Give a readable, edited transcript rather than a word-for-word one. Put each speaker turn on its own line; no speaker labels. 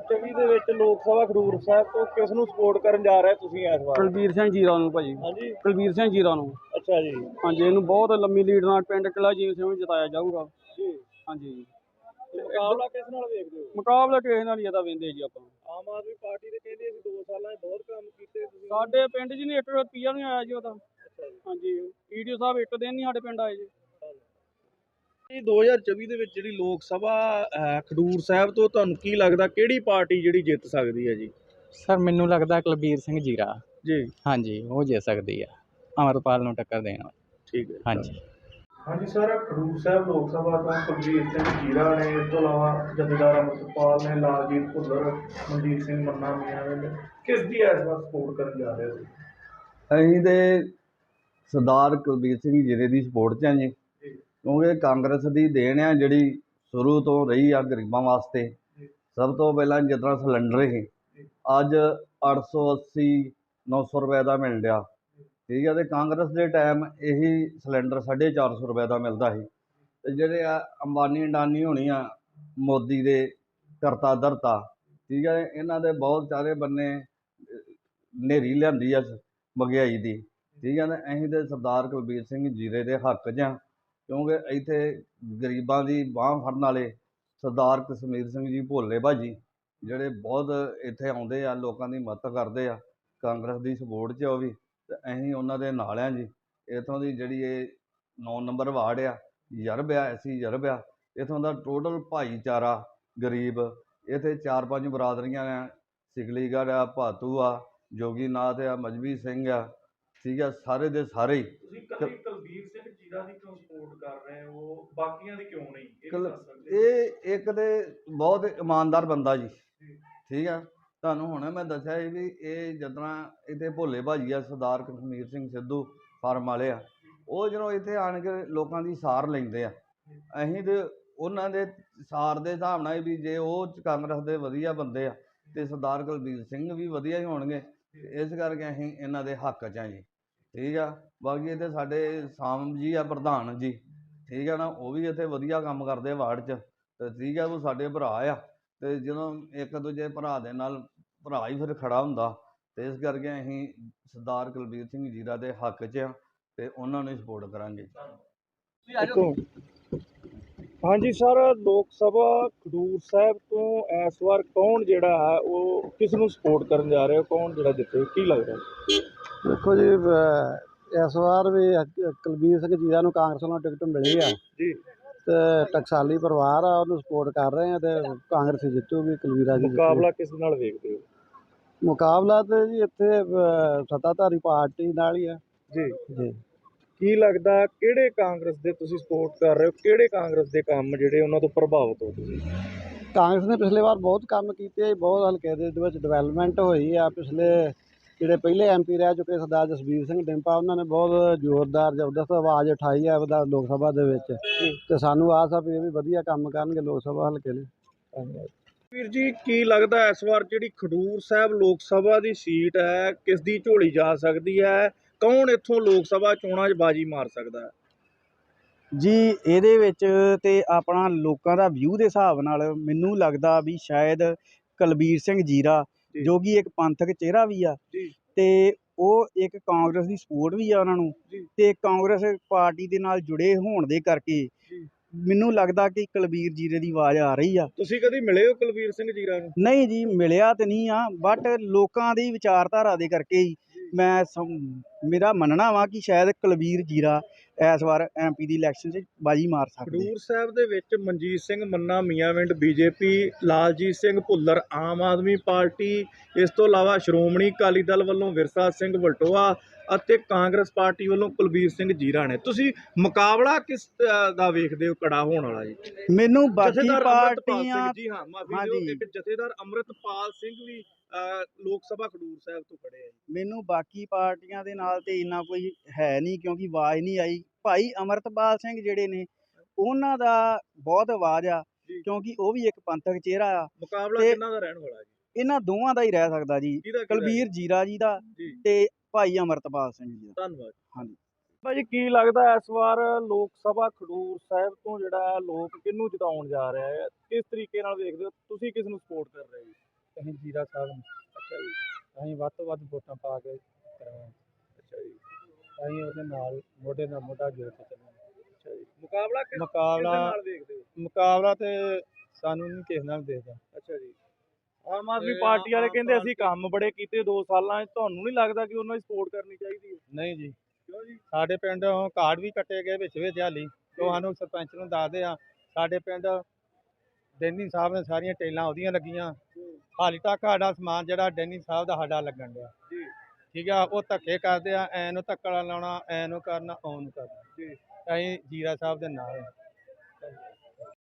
2024 ਦੇ ਵਿੱਚ ਲੋਕ ਸਭਾ ਖਡੂਰ ਸਾਹਿਬ ਤੋਂ ਕਿਸ ਨੂੰ ਸਪੋਰਟ ਕਰਨ ਜਾ ਰਹੇ ਤੁਸੀਂ ਇਸ ਵਾਰ?
ਕੁਲਬੀਰ ਸਿੰਘ ਜੀਰਾ ਨੂੰ ਭਾਜੀ।
ਹਾਂਜੀ,
ਕੁਲਬੀਰ ਸਿੰਘ ਜੀਰਾ ਨੂੰ।
ਅੱਛਾ ਜੀ।
ਹਾਂਜੀ, ਇਹਨੂੰ ਬਹੁਤ ਲੰਮੀ ਲੀਡ ਨਾਲ ਪਿੰਡ ਕਿਲ੍ਹਾ ਜੀਤ ਸਿੰਘ ਨੂੰ ਜਿਤਾਇਆ ਜਾਊਗਾ
ਜੀ।
ਹਾਂਜੀ।
ਤੇ ਮੁਕਾਬਲਾ ਕਿਸ ਨਾਲ ਵੇਖਦੇ ਹੋ?
ਮੁਕਾਬਲਾ ਕਿਸੇ ਨਾਲ ਨਹੀਂ ਇਹਦਾ ਵੇਂਦੇ ਜੀ ਆਪਾਂ।
ਆਮ ਆਦਮੀ ਪਾਰਟੀ ਦੇ ਕਹਿੰਦੇ ਅਸੀਂ 2 ਸਾਲਾਂ 'ਚ ਬਹੁਤ ਕੰਮ ਕੀਤੇ, ਤੁਸੀਂ?
ਸਾਡੇ ਪਿੰਡ 'ਚ ਨਹੀਂ 1 ਰੁਪਈਆ ਨਹੀਂ ਆਇਆ ਜੀ ਉਹਦਾ।
ਅੱਛਾ ਜੀ।
ਹਾਂਜੀ, ਈਡੀਓ ਸਾਹਿਬ ਇੱਕ ਦਿਨ ਨਹੀਂ ਸਾਡੇ ਪਿੰਡ ਆਏ ਜੀ।
2024 ਦੇ ਵਿੱਚ ਜਿਹੜੀ ਲੋਕ ਸਭਾ ਖਡੂਰ ਸਾਹਿਬ ਤੋਂ ਤੁਹਾਨੂੰ ਕੀ ਲੱਗਦਾ ਕਿਹੜੀ ਪਾਰਟੀ ਜਿਹੜੀ ਜਿੱਤ ਸਕਦੀ ਹੈ ਜੀ?
ਸਰ ਮੈਨੂੰ ਲੱਗਦਾ ਕੁਲਬੀਰ ਸਿੰਘ ਜੀਰਾ
ਜੀ।
ਹਾਂਜੀ, ਉਹ ਜਿੱਤ ਸਕਦੀ ਆ ਅਮਰਪਾਲ ਨੂੰ ਟੱਕਰ ਦੇਣ ਵਾਲੀ।
ਠੀਕ ਹੈ।
ਹਾਂਜੀ
ਹਾਂਜੀ ਸਰ, ਖਡੂਰ ਸਾਹਿਬ ਲੋਕ ਸਭਾ ਤੋਂ ਕੁਲਬੀਰ ਸਿੰਘ ਜੀਰਾ ਨੇ, ਇਸ ਤੋਂ ਇਲਾਵਾ ਜਥੇਦਾਰ ਅਮਰਪਾਲ ਨੇ, ਲਾਲਜੀਤ ਭੁੱਲਰ, ਮਨਦੀਪ ਸਿੰਘ ਮੰਨਾ ਮੀਆਂ ਨੇ, ਕਿਸ ਦੀ ਇਸ ਵਾਰ ਸਪੋਰਟ ਕਰਨ ਜਾ ਰਹੇ ਹੋ?
ਅਸੀਂ ਤੇ ਸਰਦਾਰ ਕੁਲਬੀਰ ਸਿੰਘ ਜੀਰੇ ਦੀ ਸਪੋਰਟ 'ਚ ਹਾਂ ਜੀ, ਕਿਉਂਕਿ ਕਾਂਗਰਸ ਦੀ ਦੇਣ ਆ ਜਿਹੜੀ ਸ਼ੁਰੂ ਤੋਂ ਰਹੀ ਆ ਗਰੀਬਾਂ ਵਾਸਤੇ। ਸਭ ਤੋਂ ਪਹਿਲਾਂ ਜਿਸ ਤਰ੍ਹਾਂ ਸਿਲੰਡਰ ਸੀ, ਅੱਜ 880 900 ਰੁਪਏ ਦਾ ਮਿਲ ਰਿਹਾ, ਠੀਕ ਹੈ। ਅਤੇ ਕਾਂਗਰਸ ਦੇ ਟਾਈਮ ਇਹੀ ਸਿਲੰਡਰ 450 ਰੁਪਏ ਦਾ ਮਿਲਦਾ ਸੀ। ਅਤੇ ਜਿਹੜੇ ਆ ਅੰਬਾਨੀ ਅਡਾਨੀ ਹੋਣੀ ਆ, ਮੋਦੀ ਦੇ ਕਰਤਾ ਧਰਤਾ, ਠੀਕ ਹੈ, ਇਹਨਾਂ ਦੇ ਬਹੁਤ ਸਾਰੇ ਬੰਨੇ ਹਨੇਰੀ ਲਿਆਂਦੀ ਆ ਮਹਿੰਗਾਈ ਦੀ, ਠੀਕ ਹੈ ਨਾ। ਅਸੀਂ ਤਾਂ ਸਰਦਾਰ ਕੁਲਬੀਰ ਸਿੰਘ ਜੀਰੇ ਦੇ ਹੱਕ 'ਚ ਹਾਂ, ਕਿਉਂਕਿ ਇੱਥੇ ਗਰੀਬਾਂ ਦੀ ਬਾਂਹ ਫੜਨ ਵਾਲੇ ਸਰਦਾਰ ਕਸ਼ਮੀਰ ਸਿੰਘ ਜੀ ਭੋਲੇ ਭਾਜੀ, ਜਿਹੜੇ ਬਹੁਤ ਇੱਥੇ ਆਉਂਦੇ ਆ, ਲੋਕਾਂ ਦੀ ਮਦਦ ਕਰਦੇ ਆ, ਕਾਂਗਰਸ ਦੀ ਸਪੋਰਟ 'ਚ ਉਹ ਵੀ, ਅਤੇ ਅਸੀਂ ਉਹਨਾਂ ਦੇ ਨਾਲ ਹਾਂ ਜੀ। ਇੱਥੋਂ ਦੀ ਜਿਹੜੀ ਇਹ 9 ਨੰਬਰ ਵਾਰਡ ਆ, ਯਰਬ ਆ, ਐਸੀ ਯਰਬ ਆ, ਇੱਥੋਂ ਦਾ ਟੋਟਲ ਭਾਈਚਾਰਾ ਗਰੀਬ, ਇੱਥੇ 4-5 ਬਰਾਦਰੀਆਂ ਆ, ਸਿਕਲੀਗੜ੍ਹ ਆ, ਭਾਤੂ ਆ, ਜੋਗੀਨਾਥ ਆ, ਮਜਬੀ ਸਿੰਘ ਆ, ਠੀਕ ਹੈ, ਸਾਰੇ ਦੇ ਸਾਰੇ ਹੀ।
ਤੁਸੀਂ ਕਦੀ ਕੁਲਬੀਰ ਸਿੰਘ ਜੀਰਾ ਦੀ ਕਿਉਂ ਸਪੋਰਟ ਕਰ ਰਹੇ ਹੋ, ਬਾਕੀਆਂ ਦੀ ਕਿਉਂ ਨਹੀਂ?
ਇਹ ਇੱਕ ਤੇ ਬਹੁਤ ਇਮਾਨਦਾਰ ਬੰਦਾ ਜੀ, ਠੀਕ ਆ। ਤੁਹਾਨੂੰ ਹੁਣੇ ਮੈਂ ਦੱਸਿਆ ਸੀ ਵੀ ਇਹ ਜਿਸ ਤਰ੍ਹਾਂ ਇੱਥੇ ਭੋਲੇ ਭਾਜੀ ਆ, ਸਰਦਾਰ ਕਸ਼ਮੀਰ ਸਿੰਘ ਸਿੱਧੂ ਫਾਰਮ ਵਾਲੇ ਆ, ਉਹ ਜਦੋਂ ਇੱਥੇ ਆਣ ਕੇ ਲੋਕਾਂ ਦੀ ਸਾਰ ਲੈਂਦੇ ਆ, ਅਸੀਂ ਤਾਂ ਉਹਨਾਂ ਦੇ ਸਾਰ ਦੇ ਹਿਸਾਬ ਨਾਲ ਵੀ ਜੇ ਉਹ ਕਾਂਗਰਸ ਦੇ ਵਧੀਆ ਬੰਦੇ ਆ ਅਤੇ ਸਰਦਾਰ ਕੁਲਬੀਰ ਸਿੰਘ ਵੀ ਵਧੀਆ ਹੀ ਹੋਣਗੇ। ਇਸ ਕਰਕੇ ਅਸੀਂ ਇਹਨਾਂ ਦੇ ਹੱਕ 'ਚ ਹਾਂ ਜੀ, ਠੀਕ ਆ। ਬਾਕੀ ਇੱਥੇ ਸਾਡੇ ਸਾਮ ਜੀ ਆ ਪ੍ਰਧਾਨ ਜੀ, ਠੀਕ ਆ ਨਾ, ਉਹ ਵੀ ਇੱਥੇ ਵਧੀਆ ਕੰਮ ਕਰਦੇ ਵਾਰਡ 'ਚ, ਅਤੇ ਠੀਕ ਆ, ਉਹ ਸਾਡੇ ਭਰਾ ਆ, ਅਤੇ ਜਦੋਂ ਇੱਕ ਦੂਜੇ ਭਰਾ ਦੇ ਨਾਲ ਭਰਾ ਹੀ ਫਿਰ ਖੜ੍ਹਾ ਹੁੰਦਾ, ਅਤੇ ਇਸ ਕਰਕੇ ਅਸੀਂ ਸਰਦਾਰ ਕੁਲਬੀਰ ਸਿੰਘ ਜੀਰਾ ਦੇ ਹੱਕ 'ਚ ਹਾਂ ਅਤੇ ਉਹਨਾਂ ਨੂੰ ਹੀ ਸਪੋਰਟ ਕਰਾਂਗੇ।
ਹਾਂਜੀ ਸਰ, ਲੋਕ ਸਭਾ ਖਡੂਰ ਸਾਹਿਬ ਤੋਂ ਇਸ ਵਾਰ ਕੌਣ ਜਿਹੜਾ ਹੈ ਉਹ ਕਿਸ ਨੂੰ ਸਪੋਰਟ ਕਰਨ ਜਾ ਰਿਹਾ, ਕੌਣ ਜਿਹੜਾ ਜਿੱਤੇ, ਕੀ ਲੱਗਦਾ?
ਦੇਖੋ ਜੀ, ਇਸ ਵਾਰ ਵੀ ਕੁਲਬੀਰ ਸਿੰਘ ਜੀਰਾ ਨੂੰ ਕਾਂਗਰਸ ਵੱਲੋਂ ਟਿਕਟ ਮਿਲੀ ਆ
ਜੀ।
ਤੇ ਟਕਸਾਲੀ ਪਰਿਵਾਰ ਆ, ਉਹਨੂੰ ਸਪੋਰਟ ਕਰ ਰਹੇ ਆ, ਤੇ ਕਾਂਗਰਸ ਜਿੱਤੂਗੀ, ਕੁਲਬੀਰਾ ਜੀ।
ਮੁਕਾਬਲਾ ਕਿਸ ਨਾਲ ਵੇਖਦੇ ਹੋ?
ਮੁਕਾਬਲਾ ਤੇ ਜੀ ਇੱਥੇ ਸੱਤਾਧਾਰੀ ਪਾਰਟੀ ਨਾਲ ਹੀ ਆ
ਜੀ
ਜੀ।
ਕੀ ਲੱਗਦਾ ਕਿਹੜੇ ਕਾਂਗਰਸ ਦੇ ਤੁਸੀਂ ਸਪੋਰਟ ਕਰ ਰਹੇ ਹੋ, ਕਿਹੜੇ ਕਾਂਗਰਸ ਦੇ ਕੰਮ ਜਿਹੜੇ ਉਹਨਾਂ ਤੋਂ ਪ੍ਰਭਾਵਿਤ ਹੋ ਤੁਸੀਂ?
ਕਾਂਗਰਸ ਨੇ ਪਿਛਲੇ ਵਾਰ ਬਹੁਤ ਕੰਮ ਕੀਤੇ, ਬਹੁਤ ਹਲਕੇ ਦੇ ਵਿੱਚ ਡਿਵੈਲਪਮੈਂਟ ਹੋਈ ਆ। ਪਿਛਲੇ ਜਿਹੜੇ ਪਹਿਲੇ MP ਰਹਿ ਚੁੱਕੇ ਸਰਦਾਰ ਜਸਬੀਰ ਸਿੰਘ ਡਿੰਪਾ, ਉਹਨਾਂ ਨੇ ਬਹੁਤ ਜ਼ੋਰਦਾਰ ਜ਼ਬਰਦਸਤ ਆਵਾਜ਼ ਉਠਾਈ ਹੈ ਲੋਕ ਸਭਾ ਦੇ ਵਿੱਚ, ਅਤੇ ਸਾਨੂੰ ਆਸ ਆ ਵੀ ਇਹ ਵੀ ਵਧੀਆ ਕੰਮ ਕਰਨਗੇ ਲੋਕ ਸਭਾ ਹਲਕੇ ਲਈ।
ਧੰਨਵਾਦ ਵੀਰ ਜੀ। ਕੀ ਲੱਗਦਾ ਇਸ ਵਾਰ ਜਿਹੜੀ ਖਡੂਰ ਸਾਹਿਬ ਲੋਕ ਸਭਾ ਦੀ ਸੀਟ ਹੈ, ਕਿਸ ਦੀ ਝੋਲੀ ਜਾ ਸਕਦੀ ਹੈ? ਕੌਣ ਇੱਥੋਂ ਲੋਕ ਸਭਾ ਚੋਣਾਂ 'ਚ ਬਾਜੀ ਮਾਰ ਸਕਦਾ ਹੈ
ਜੀ? ਇਹਦੇ ਵਿੱਚ ਤੇ ਆਪਣਾ ਲੋਕਾਂ ਦਾ ਵਿਊ ਦੇ ਹਿਸਾਬ ਨਾਲ ਮੈਨੂੰ ਲੱਗਦਾ ਵੀ ਸ਼ਾਇਦ ਕੁਲਬੀਰ ਸਿੰਘ ਜੀਰਾ, ਜੋ ਕਿ ਇੱਕ ਪੰਥਕ ਚਿਹਰਾ ਵੀ ਆ, ਤੇ ਉਹ ਇੱਕ ਕਾਂਗਰਸ ਦੀ ਸਪੋਰਟ ਵੀ ਆ ਉਹਨਾਂ ਨੂੰ, ਤੇ ਕਾਂਗਰਸ ਪਾਰਟੀ ਦੇ ਨਾਲ ਜੁੜੇ ਹੋਣ ਦੇ ਕਰਕੇ ਮੈਨੂੰ ਲੱਗਦਾ ਕਿ ਕੁਲਬੀਰ ਜੀਰੇ ਦੀ ਆਵਾਜ਼ ਆ ਰਹੀ ਆ।
ਤੁਸੀਂ ਕਦੀ ਮਿਲੇ ਹੋ ਕੁਲਬੀਰ ਸਿੰਘ ਜੀਰਾ ਨੂੰ?
ਨਹੀਂ ਜੀ, ਮਿਲਿਆ ਤੇ ਨਹੀਂ ਆ, ਬਟ ਲੋਕਾਂ ਦੀ ਵਿਚਾਰਧਾਰਾ ਦੇ ਕਰਕੇ ਹੀ ਮੇਰਾ ਮੰਨਣਾ ਵਾ ਕਿ ਸ਼ਾਇਦ ਕੁਲਬੀਰ ਜੀਰਾ ਇਸ ਵਾਰ MP ਦੀ ਇਲੈਕਸ਼ਨ 'ਚ ਬਾਜੀ ਮਾਰ ਸਕਦੇ।
ਖਡੂਰ ਸਾਹਿਬ ਦੇ ਵਿੱਚ ਮਨਜੀਤ ਸਿੰਘ ਮੰਨਾ ਮੀਆਂਵਿੰਡ BJP, ਲਾਲਜੀਤ ਸਿੰਘ ਭੁੱਲਰ ਆਮ ਆਦਮੀ ਪਾਰਟੀ, ਇਸ ਤੋਂ ਇਲਾਵਾ ਸ਼੍ਰੋਮਣੀ ਅਕਾਲੀ ਦਲ ਵੱਲੋਂ ਵਿਰਸਾ ਸਿੰਘ ਵਲਟੋਆ ਅਤੇ ਕਾਂਗਰਸ ਪਾਰਟੀ ਵੱਲੋਂ ਕੁਲਬੀਰ ਸਿੰਘ ਜੀਰਾ ਨੇ। ਤੁਸੀਂ ਮੁਕਾਬਲਾ ਕਿਸ ਦਾ ਵੇਖਦੇ ਹੋ ਕੜਾ ਹੋਣ ਵਾਲਾ ਜੀ?
ਮੈਨੂੰ ਬਾਕੀ
ਪਾਰਟੀਆਂ ਜੀ, ਹਾਂ ਮਾਫੀ ਦਿਓ, ਇੱਕ ਜਥੇਦਾਰ ਅੰਮ੍ਰਿਤਪਾਲ ਸਿੰਘ ਵੀ ਲੋਕ ਸਭਾ ਖਡੂਰ ਸਾਹਿਬ ਤੋਂ ਖੜੇ ਆ।
ਮੈਨੂੰ ਬਾਕੀ ਪਾਰਟੀਆਂ ਦੇ ਨਾਲ ਤੇ ਇੰਨਾ ਕੋਈ ਹੈ ਨਹੀਂ, ਕਿਉਂਕਿ ਆਵਾਜ਼ ਨਹੀਂ ਆਈ। ਭਾਈ ਅਮਰਤਪਾਲ ਸਿੰਘ ਜਿਹੜੇ ਨੇ, ਉਹਨਾਂ ਦਾ ਬਹੁਤ ਆਵਾਜ਼ ਆ, ਕਿਉਂਕਿ ਉਹ ਵੀ ਇੱਕ ਪੰਥਕ ਚਿਹਰਾ ਆ।
ਮੁਕਾਬਲਾ ਕਿਹਨਾਂ ਦਾ ਰਹਿਣ ਵਾਲਾ ਜੀ?
ਇਹਨਾਂ ਦੋਵਾਂ ਦਾ ਹੀ ਰਹਿ ਸਕਦਾ ਜੀ, ਕੁਲਬੀਰ ਜੀਰਾ ਜੀ ਦਾ ਤੇ ਭਾਈ ਅਮਰਤਪਾਲ ਸਿੰਘ ਜੀ ਦਾ।
ਧੰਨਵਾਦ।
ਹਾਂਜੀ
ਭਾਜੀ, ਕੀ ਲੱਗਦਾ ਇਸ ਵਾਰ ਲੋਕ ਸਭਾ ਖਡੂਰ ਸਾਹਿਬ ਤੋਂ ਜਿਹੜਾ ਲੋਕ ਕਿਹਨੂੰ ਜਿਤਾਉਣ ਜਾ ਰਿਹਾ ਹੈ? ਕਿਸ ਤਰੀਕੇ ਨਾਲ ਵੇਖਦੇ ਹੋ ਤੁਸੀਂ, ਕਿਸ ਨੂੰ ਸਪੋਰਟ ਕਰ ਰਹੇ ਹੋ?
ਅਸੀਂ ਜੀਰਾ ਸਾਹਿਬ ਨੂੰ
ਅੱਛਾ ਜੀ,
ਅਸੀਂ ਵੱਧ ਤੋਂ ਵੱਧ ਵੋਟਾਂ ਪਾ ਕੇ ਕਰਾਂਗੇ।
ਅੱਛਾ ਜੀ,
ਅਸੀਂ ਉਹਦੇ ਨਾਲ ਮੋਢੇ ਨਾਲ ਮੋਢਾ ਜੋੜ ਕੇ ਚੱਲਾਂਗੇ।
ਅੱਛਾ ਜੀ। ਮੁਕਾਬਲਾ ਕਿਸ
ਮੁਕਾਬਲਾ
ਨਾਲ ਵੇਖਦੇ ਹੋ?
ਮੁਕਾਬਲਾ ਤੇ ਸਾਨੂੰ ਨਹੀਂ ਕਿਸੇ ਨਾਲ ਦੇਖਦਾ।
ਅੱਛਾ ਜੀ। ਆਮ ਆਦਮੀ ਪਾਰਟੀ ਵਾਲੇ
ਆਮ
ਕਹਿੰਦੇ ਅਸੀਂ
ਪਾਰਟੀ-
ਕੰਮ ਬੜੇ ਕੀਤੇ 2 ਸਾਲਾਂ 'ਚ, ਤੁਹਾਨੂੰ ਨਹੀਂ ਲੱਗਦਾ ਕਿ ਉਹਨਾਂ ਦੀ ਸਪੋਰਟ ਕਰਨੀ ਚਾਹੀਦੀ ਹੈ?
ਨਹੀਂ ਜੀ,
ਕਿਉਂ ਜੀ?
ਸਾਡੇ ਪਿੰਡ ਕਾਰਡ ਵੀ ਕੱਟੇ ਗਏ ਵਿੱਚ ਹਾਲੀ, ਉਹ ਸਾਨੂੰ ਸਰਪੰਚ ਨੂੰ ਦੱਸਦੇ ਆ। ਸਾਡੇ ਪਿੰਡ ਡੈਨੀ ਸਾਹਿਬ ਨੇ ਸਾਰੀਆਂ ਟੇਲਾਂ ਉਹਦੀਆਂ ਲੱਗੀਆਂ, ਹਾਲੀ ਤੱਕ ਸਾਡਾ ਸਮਾਨ ਜਿਹੜਾ ਡੈਨੀ ਸਾਹਿਬ ਦਾ ਸਾਡਾ ਲੱਗਣ ਡਿਆ।
ਜੀ
ਠੀਕ ਆ, ਉਹ ਧੱਕੇ ਕਰਦੇ ਆ, ਐ ਨੂੰ ਧੱਕਾ ਲਾਉਣਾ, ਐ ਨੂੰ ਕਰਨਾ, ਉਹ ਨੂੰ ਕਰਨਾ।
ਜੀ।
ਅਸੀਂ ਜੀਰਾ ਸਾਹਿਬ ਦੇ ਨਾਲ ਹਾਂ।